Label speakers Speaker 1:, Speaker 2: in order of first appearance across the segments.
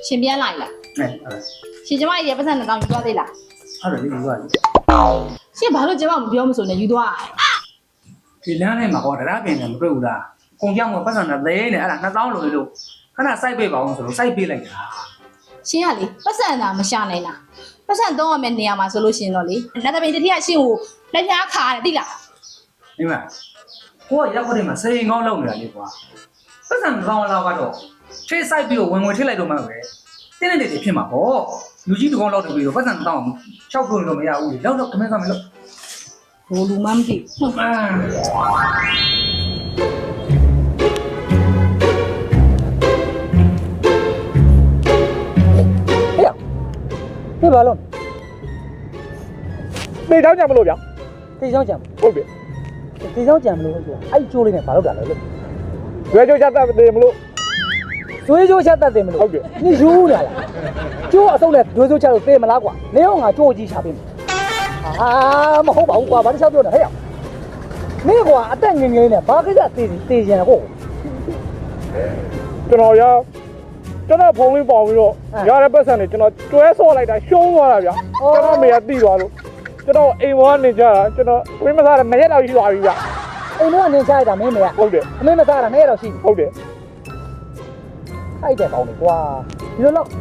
Speaker 1: ရှင်ပြန်လိုက်လားရှင်ကျမရေပတ်စံနဲ့တောင်းယူသွားသေးလား
Speaker 2: ဟုတ်တယ်ယူသွားပြီ
Speaker 1: ရှင်ဘာလို့ကျမမပြောမဆိုနဲ့ယူသွား
Speaker 2: ဒီလမ်းထဲမှာဟောတရားပြင်တယ်မတွေ့ဘူးလားကုန်ကြောင်ကပတ်စံနဲ့သိနေအဲ့ဒါ2000လို့လို့ခဏစိုက်ပေးပါအောင်ဆိုတော့စိုက်ပေးလိုက်တာ
Speaker 1: ရှင်ကလေပတ်စံတာမရှာနိုင်လားပတ်စံတော့ရမယ့်နေရာမှာဆိုလို့ရှင်တော့လေနတ်တပင်တတိယရှင်ကိုလက်ပြားခါတယ်သိလား
Speaker 2: ဒီမှာကိုကရောက်ခွက်ထဲမှာစိန်ကောင်းလောက်နေတာလေကွာပတ်စံကောင်းလောက်ကတော့ထိစိုက်ပြီးတော့ဝင်ထည့်လိုက်တော့မှပဲတင်းနေတယ်ဖြစ်မှာပေါ့လူကြီးတကောင်လောက်တပြီးတော့ပတ်စံတောင်းချောက်ကုန်လို့မရဘူးလေလောက်တော့ခမင်းမယ်လို့
Speaker 1: ဘိုးလူမမသိဟုတ်ပါ
Speaker 3: ဟေ့ဘာလို့
Speaker 4: တေချောင်းကြံမလို့ဗျာ
Speaker 3: တေချောင်းကြံ
Speaker 4: ဟုတ်ပြီ
Speaker 3: တေချောင်းကြံမလို့ဆိုအဲ့ကျိုးလေးနဲ့ဘာလုပ်တာလဲလို့
Speaker 4: ရွေးချိုးချက်တက်တယ်မလို့
Speaker 3: ကျွေးကျိုးချက်တက်တယ်မလို့
Speaker 4: ဟုတ်ပြီ
Speaker 3: 你ယူလာလားကျိုးအစုံနဲ့ကျွေးကျိုးချက်လို့သိမလားကွာနေအောင်ငါကျိုးကြီးချပေးမယ်မဟုတ်ပါဘူးကွာဘာတစ်ချက်ပြောနေဟဲ့မင်းကွာအတက်ငငယ်နဲ့ဘာကိစ္စတေချင်တယ်ကို
Speaker 4: ကျွန်တော်ဖုန်းလေးပေါင်ပြီးတော့ရတဲ့ပတ်စံတွေကျွန်တော်ကျွဲဆော့လိုက်တာရှုံးသွားတာဗျာကျွန်တော်မေကတိသွားလို့ကျွန်တော်အိမ်ဘောကနေကြတာကျွန်တော်ဝင်းမစားတာ2ရက်လောက်ရှိသွားပြီဗျာ
Speaker 3: အိမ်တော့နေချရတာမင်းမေက
Speaker 4: ဟုတ်တယ်
Speaker 3: အမေမစားတာ2ရက်လောက်ရှိပြီ
Speaker 4: ဟုတ်တယ်
Speaker 3: ခိုက်တယ်ပေါင်းလေကွာဒီလိုတော့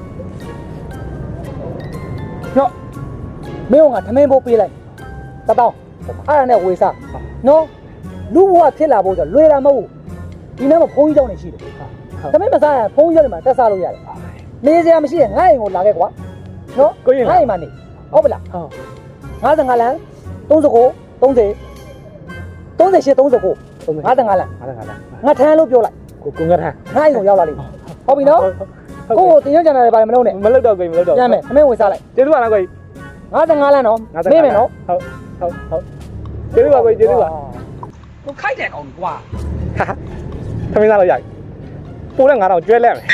Speaker 3: ညော့မင်းကထမင်းပိုးပေးလိုက်1000အဲ့ဒါနဲ့ဝေစားနော်လူဘဝဖြစ်လာဖို့ဆိုလွယ်တာမဟုတ်ဘူးဒီနေ့မှာဖုန်းကြီးကြောင်းနေရှိတယ်ထမင်းမစားရင်ဖုန်းကြီးကြောင်းတွေမှာတက်စားလို့ရတယ်နေစရာမရှိရင်ငါ့အိမ်ကိုလာခဲ့ကွာနော်ငါ့အိမ်မှာနေဟုတ်ပလား55လမ်း39 30 38 39 55လမ်းငါထမ်းလို့ပြောလိုက်
Speaker 4: ကိုငါထမ်း
Speaker 3: ငါ့အိမ်ကိုရောက်လာလိမ့်ဟုတ်ပြီနော်ကိုကိုတင်ရကြတယ်ဘာမလုပ်နဲ့
Speaker 4: မလုပ်တော့ကိုမလုပ်တော့
Speaker 3: ရမယ်အမေဝင်စားလိုက်
Speaker 4: ကျေးဇူးပါနော်ကို
Speaker 3: 55လမ်းနော်မေးမယ်နော်
Speaker 4: ဟုတ်ကျေးဇူးပါကိုကျေးဇူးပါ
Speaker 3: ကိုခိုက်တယ်ကောင်ကွာ
Speaker 4: ထမင်းစားလို့ရပြီပိုးနဲ့9000ကျွဲလက်မယ်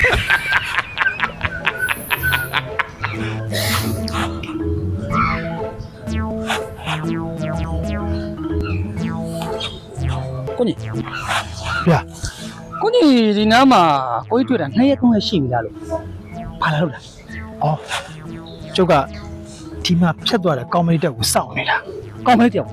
Speaker 3: ကိုကြီးဗျာကိုကြီးဒီနားမှာကိုကြီးတွေ့တာ2ရက်3ရက်ရှိပြီလားလို့ဘာလာလို့လဲ
Speaker 5: ဩကျုပ်ကဒီမှာဖြတ်သွားတဲ့ကောင်းမလေးတက်ကိုစောင့်နေတာ
Speaker 3: ကောင်းမလေးတက်ဩ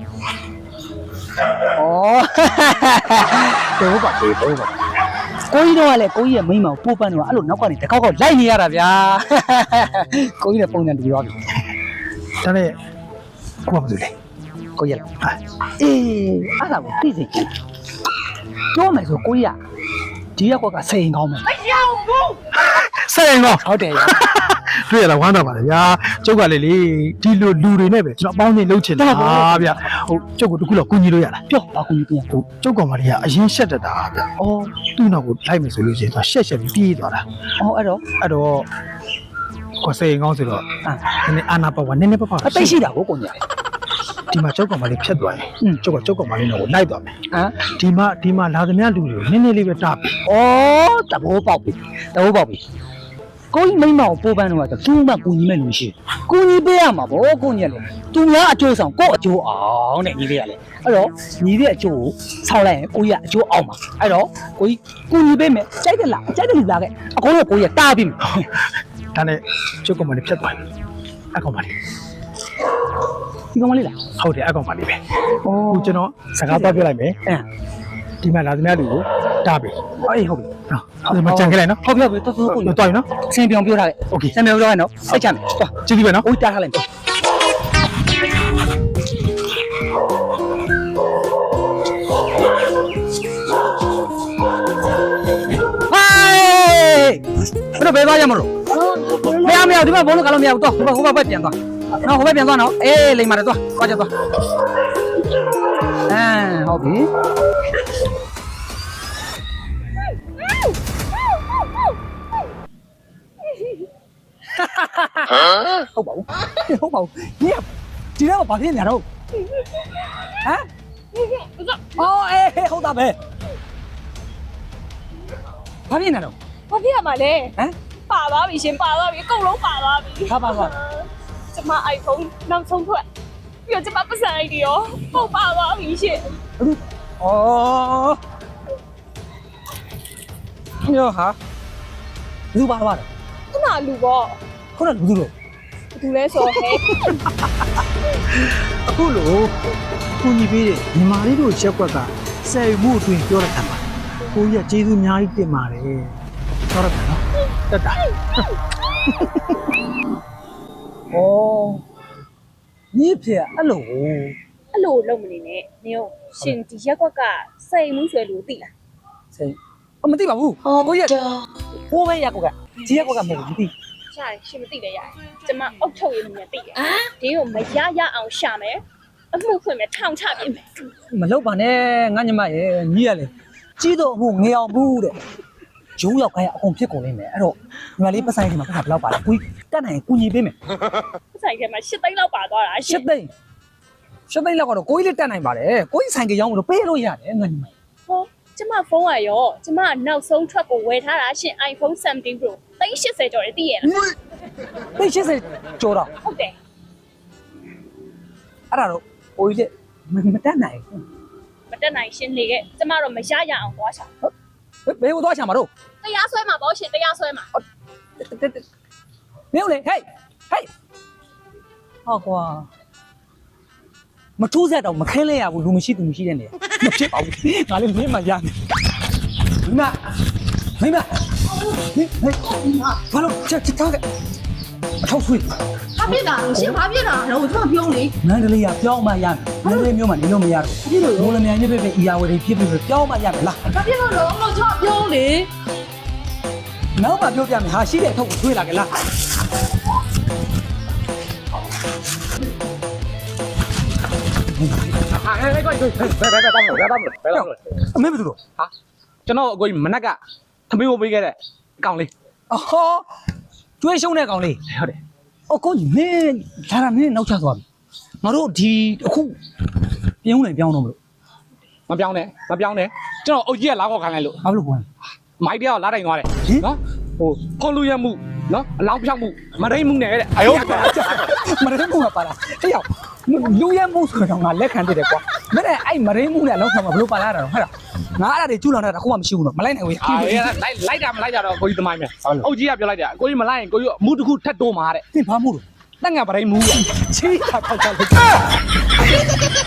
Speaker 3: တော့ပါသေးတော့ပါကိုကြီးတော့ကလည်းကိုကြီးရဲ့မိန်းမကိုပိုးပန်းတော့အဲ့လိုနောက်ကနေတကောက်လိုက်နေရတာဗျာကိုကြီးရဲ့ပုံစံတူရောပြီ
Speaker 5: ဒါနဲ့ကိုကဘာလုပ်လဲ
Speaker 3: ကိုကြီးလားအေးအဲ့ဒါကိုသိစိတ်ပြောမယ်ဆိုကိုကြီးကဒီရက်ကွက်ကစိန်ကောင်းမယ်
Speaker 5: စိန်ကောင်း
Speaker 3: ဟုတ်တယ်
Speaker 5: တွေ့ရလားဝမ်းသာပါလေဗျာကျုပ်ကလေဒီလိုလူတွေနဲ့ပဲကျွန်တော်အပေါင်းအသင်းလုပ်ချင်တာဗျာဟုတ်ကျုပ်ကတခုတော့ကူညီလို့ရလား
Speaker 3: ပြောပါကူညီပြန်
Speaker 5: ဟုတ်ကျုပ်ကောင်မလေးကအရင်ရှက်တတ်တာဗျာအော်သူ့နောက်ကိုလိုက်မယ်ဆိုလို့ရှိရင်သူရှက်ပြီးပြေးသွားတာ
Speaker 3: အော်အဲ့တော့
Speaker 5: ကိုစိန်ကောင်းဆိုတော့နည်းအာနာပါဝါနည်းပါ
Speaker 3: အသိရှိတာကိုကိုညာ
Speaker 5: ဒီမှာကျုပ်ကောင်မလေးဖြတ်သွားရင်ကျုပ်ကောင်မလေးတော့လိုက်သွားမယ်ဒီမှာလာသမျှလူတွေနည်းနည်းလေးပဲတားပြီ
Speaker 3: ဩတဘောပေါက်ပြီကိုကြီးမိမကိုပိုးပန်းတော့ကသူ့မှကူညီမဲ့လူရှိကူညီပေးရမှာဗောကိုညက်လေသူများအကျိုးဆောင်ကိုအကျိုးအောင်တဲ့ညီလေးကလေအဲ့တော့ညီလေးအကျိုးကိုဆောက်လိုက်ရင်ကိုကြီးကအကျိုးအောင်ပါအဲ့တော့ကိုကြီးကူညီပေးမယ်ကြိုက်တယ်လားကြိုက်တယ်လူလာခဲ့အကုန်လုံးကိုကြီးကတားပြီးမယ်
Speaker 5: ဒါနဲ့ကျုပ်ကောင်မလေးဖြတ်သွားပြီအကောင်မလေး
Speaker 3: ဒီကောင်မလေးလား
Speaker 5: ဟုတ်တယ်အကောင်မလေးပဲဟိုကျွန်တော်စကားပြောပြလိုက်မယ်ဒီမှာလာသမျှလူကိုတားပြီ
Speaker 3: အေးဟုတ်ပြီ
Speaker 5: ဒီမှာကြံခဲ့လိုက်နော်
Speaker 3: ဟုတ်ပြီတော်တော်ကို
Speaker 5: တော်ပြီနော်
Speaker 3: ဆင်ပြောင်းပြောထားခဲ့
Speaker 5: โอเค
Speaker 3: ဆင်ပြောင်းပြောထားခဲ့နော်စိတ်ချမယ်
Speaker 5: သွားကြည့်ပြီပဲနော်
Speaker 3: ဦးတားထားလိုက်ဟိုဘယ်သွားရမလို့မရဒီမှာဘုံလုံးကလည်းမရဘူးတော့ဟိုဘက်ပြန်သွားနော်ဟိုဘက်ပြန်သွားနော်အေးလိမ္မာတယ်သွားကြသွားဟုတ်ပြီဟုတ်ပါဘူးဒီတော့ဘာဖြစ်နေရတော့ဟမ်အော်အေးဟုတ်တာပဲဘာဖြစ်နေတော့
Speaker 6: ဘာဖြစ်ရမှာလဲဟမ်ပါသွားပြီရှင်ပါသွားပြီအကုန်လုံးပါသွားပြီ
Speaker 3: ဟာပါသွား
Speaker 6: ကျမ iPhone နောက်ဆုံးထွက်ပြီးတော့ကျမပတ်စံ ID ရောပုံပါသွားပြီရှင်
Speaker 3: ဩရောဟာလူပါသွားတယ်
Speaker 6: ကျမလူပေါ့
Speaker 3: ခုနကလူတို့
Speaker 6: လူလဲဆိုဟဲ့
Speaker 5: အခုလိုကူညီပေးတဲ့ညီမလေးတို့ရက်ကွက်ကဆယ်မှုအတွင်းပြောရတာပါကိုကြီးကကျေးဇူးအများကြီးတင်ပါတယ်ပြောရမယ်နော်တက်တာ
Speaker 3: ဩညီဖေအဲ့လို
Speaker 6: အဲ့လိုလုံးမနေနဲ့နင်ရှင်ဒီရက်ကွက်ကစိတ်မှုဆွဲလို့သိလား
Speaker 3: စိတ်မသိပါဘူးကိုကြီးဟိုးပဲရက်ကွက်ကဒီရက်ကွက်ကမဟုတ်ဘူးမသိ
Speaker 6: ရှာရှင်မသိလဲရတယ်ကျမအုတ်ထုတ်ရင်းနဲ့သိတယ်ဒီကိုမရရအောင်ရှာမယ်အမှုဖွင့်မယ်ထောင်ချပြင်မယ်
Speaker 3: မလုပ်ပါနဲ့ငါညီမရဲ့ညီရလေကြီးတော့အခုငေအောင်ဘူးတဲ့ဂျုံရောက်ခိုင်းအကုန်ဖြစ်ကုန်နေမယ်အဲ့တော့ညီမလေးပတ်ဆိုင်ဒီမှာခါဘယ်လောက်ပါလဲကိုကြီးတက်နိုင်ကူညီပေးမယ်
Speaker 6: ဆိုင်ထဲမှာ8သိန်းလောက်ပါသွားတာရှ
Speaker 3: ရှစ်သိန်းလောက်ကတော့ကိုကြီးလေးတက်နိုင်ပါတယ်ကိုကြီးဆိုင်ကရောင်းလို့ပေးလို့ရတယ်ငါညီမ
Speaker 6: ဟောကျမဖုန်းကရောကျမနောက်ဆုံးထွက်ကိုဝယ်ထားတာရှင် iPhone 17 Pro 380ကျော်တယ်သိရလား
Speaker 3: သိ80ကျော်တော့
Speaker 6: ဟုတ်တယ်
Speaker 3: အဲ့ဒါတော့ကိုကြီးလေးမတက်နိုင်
Speaker 6: မတက်နိုင်ရှင်နေခဲ့ကျမတော့မရရအောင်သွားရှာ
Speaker 3: ဘူးဘယ်ကိုသွားချင်မှာတော့
Speaker 6: တရားဆွဲမှာပေါ့ရှင်တရားဆွဲမှာ
Speaker 3: မင်းလေဟေးဟောကွာမထိုးဆက်တော့မခင်းလဲရဘူးလူမရှိသူမရှိတဲ့နေမဖြစ်ပါဘူးငါလည်းမင်းမှရမယ်မိမဘာလို့ချက်ထားကအထောက်ဆွေး
Speaker 1: ဘာဖြစ်တာရှင်ဘာဖြစ်တာတော့ကျွန်တော်ပြောလေ
Speaker 3: မန္တလေးကပြောင်းမှရမယ်မန္တလေးမြို့မှာနေလို့မရတော့ဘူးမိုးလမြိုင်ညစ်ပဲအီယာဝတီဖြစ်ပြီးပြောင်းမှရမယ်လား
Speaker 1: ဘာဖြစ်လို့လဲကျွန်တော်ပြောလေ
Speaker 3: နောက်မှပြောပြမယ်ဟာရှိတဲ့အထောက်ကိုဆွေးလာကြလားအမေဘယ်သူတော့
Speaker 4: ကျွန်တော်အကိုကြီးမနက်ကသမီးကိုပေးခဲ့တဲ့အကောင်လေး
Speaker 3: အော်ကျွေးရှုံးတဲ့ကောင်လေး
Speaker 4: ဟုတ်တယ်
Speaker 3: အကိုကြီးမင်းဒါရမင်းနောက်ချသွားပြီငါတို့ဒီအခုပြောင်းနေပြောင်းတော့မလို့
Speaker 4: မပြောင်းနဲ့ကျွန်တော်အုတ်ကြီးကလာခေါ်ခိုင်းလိုက်လို့
Speaker 3: ဘာလို့ကွာ
Speaker 4: မိုက်တယောက်လာတိုင်သွားတယ်
Speaker 3: ဟင်
Speaker 4: နော်ဟိုခွန်လူရမှုနော်အလောင်းဖြောက်မှုမရိမှုနဲ့တဲ့အယုတ်
Speaker 3: မရင်းမှုကပါလားဟဲ့ရောက်လူရဲမှုဆိုတော့ငါလက်ခံတည်တယ်ကွာမင်းအဲ့မရင်းမှုနဲ့အလောက်ဆောင်မှာဘလို့ပါလာတာတော့ဟဲ့လားငါအဲ့ဒါတွေကျူးလောင်တာအခုမှမရှိဘူးတော့မလိုက်နိုင်ဘူး
Speaker 4: အာလိုက်တာမလိုက်တာတော့ကိုကြီးသမိုင်းမယ်အုတ်ကြီးကပြောလိုက်တယ်ကိုကြီးမလိုက်ရင်ကိုကြီးအမှုတစ်ခုထပ်တိုးမှာတဲ့
Speaker 3: သင်ဘာမှုလို့
Speaker 4: တက်ငါပရိမှုရ
Speaker 3: ချီးတာထောက်ချလိုက်